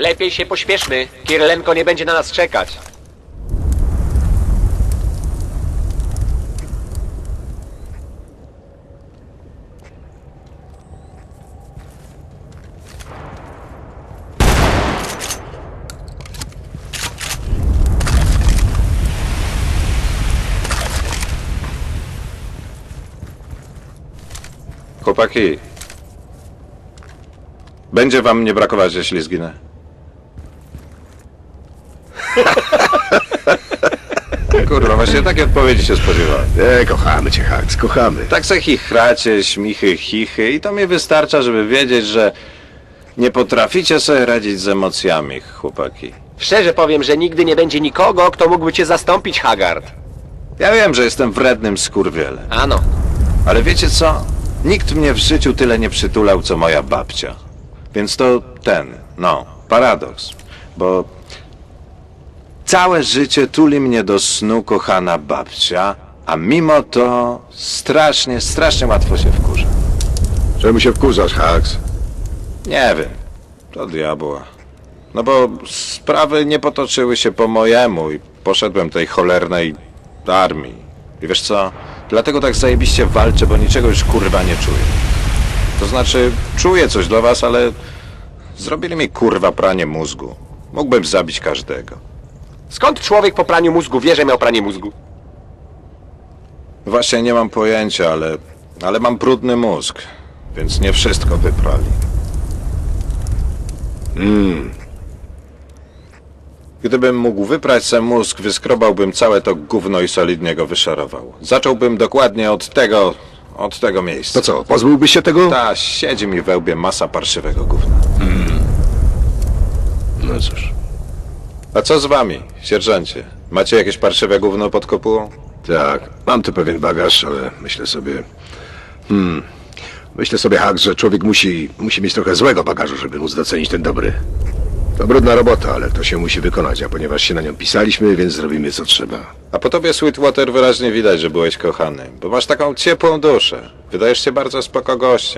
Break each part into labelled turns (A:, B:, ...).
A: Lepiej się pośpieszmy. Kierlenko nie będzie na nas czekać.
B: Chłopaki, będzie wam nie brakować, jeśli zginę. Kurwa, właśnie takiej odpowiedzi się spodziewałem.
C: Nie, kochamy cię, Hax, kochamy.
B: Tak se chichracie, śmichy, chichy i to mi wystarcza, żeby wiedzieć, że nie potraficie sobie radzić z emocjami, chłopaki.
A: Szczerze powiem, że nigdy nie będzie nikogo, kto mógłby cię zastąpić, Haggard.
B: Ja wiem, że jestem wrednym skurwielem,
A: Ano.
B: ale wiecie co? Nikt mnie w życiu tyle nie przytulał, co moja babcia. Więc to paradoks, bo całe życie tuli mnie do snu kochana babcia, a mimo to strasznie, strasznie łatwo się wkurza.
C: Czemu się wkurzasz, Hax?
B: Nie wiem, to diabła. No bo sprawy nie potoczyły się po mojemu i poszedłem tej cholernej armii. I wiesz co? Dlatego tak zajebiście walczę, bo niczego już kurwa nie czuję. To znaczy, czuję coś do was, ale zrobili mi kurwa pranie mózgu. Mógłbym zabić każdego.
A: Skąd człowiek po praniu mózgu wie, że miał pranie mózgu?
B: Właśnie nie mam pojęcia, ale mam brudny mózg, więc nie wszystko wyprali. Gdybym mógł wyprać se mózg, wyskrobałbym całe to gówno i solidnie go wyszarował. Zacząłbym dokładnie od tego miejsca.
C: To co, pozbyłbyś się tego?
B: Ta, siedzi mi we łbie masa parszywego gówna.
C: No cóż.
B: A co z wami, sierżancie? Macie jakieś parszywe gówno pod kopułą?
C: Tak, mam tu pewien bagaż, ale myślę sobie... Myślę sobie, Hax, że człowiek musi mieć trochę złego bagażu, żeby móc docenić ten dobry. To brudna robota, ale to się musi wykonać, a ponieważ się na nią pisaliśmy, więc zrobimy co trzeba.
B: A po tobie, Sweetwater, wyraźnie widać, że byłeś kochany, bo masz taką ciepłą duszę. Wydajesz się bardzo spoko gościem.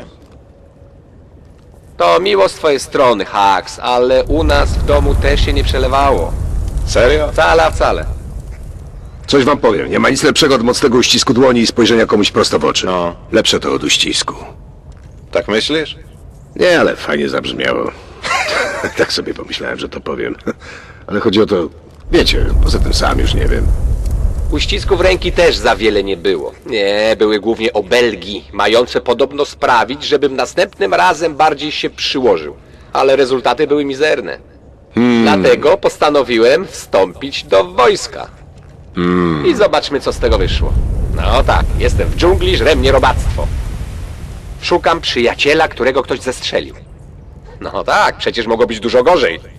A: To miło z twojej strony, Hax, ale u nas w domu też się nie przelewało.
B: Serio?
A: Wcale, a wcale.
C: Coś wam powiem, nie ma nic lepszego od mocnego uścisku dłoni i spojrzenia komuś prosto w oczy.
B: No.
C: Lepsze to od uścisku.
B: Tak myślisz?
C: Nie, ale fajnie zabrzmiało. Tak sobie pomyślałem, że to powiem. Ale chodzi o to... Wiecie, poza tym sam już nie wiem.
A: Uścisków ręki też za wiele nie było. Nie, były głównie obelgi, mające podobno sprawić, żebym następnym razem bardziej się przyłożył. Ale rezultaty były mizerne. Dlatego postanowiłem wstąpić do wojska. I zobaczmy, co z tego wyszło. No tak, jestem w dżungli, żre mnie robactwo. Szukam przyjaciela, którego ktoś zestrzelił. No tak, przecież mogło być dużo gorzej.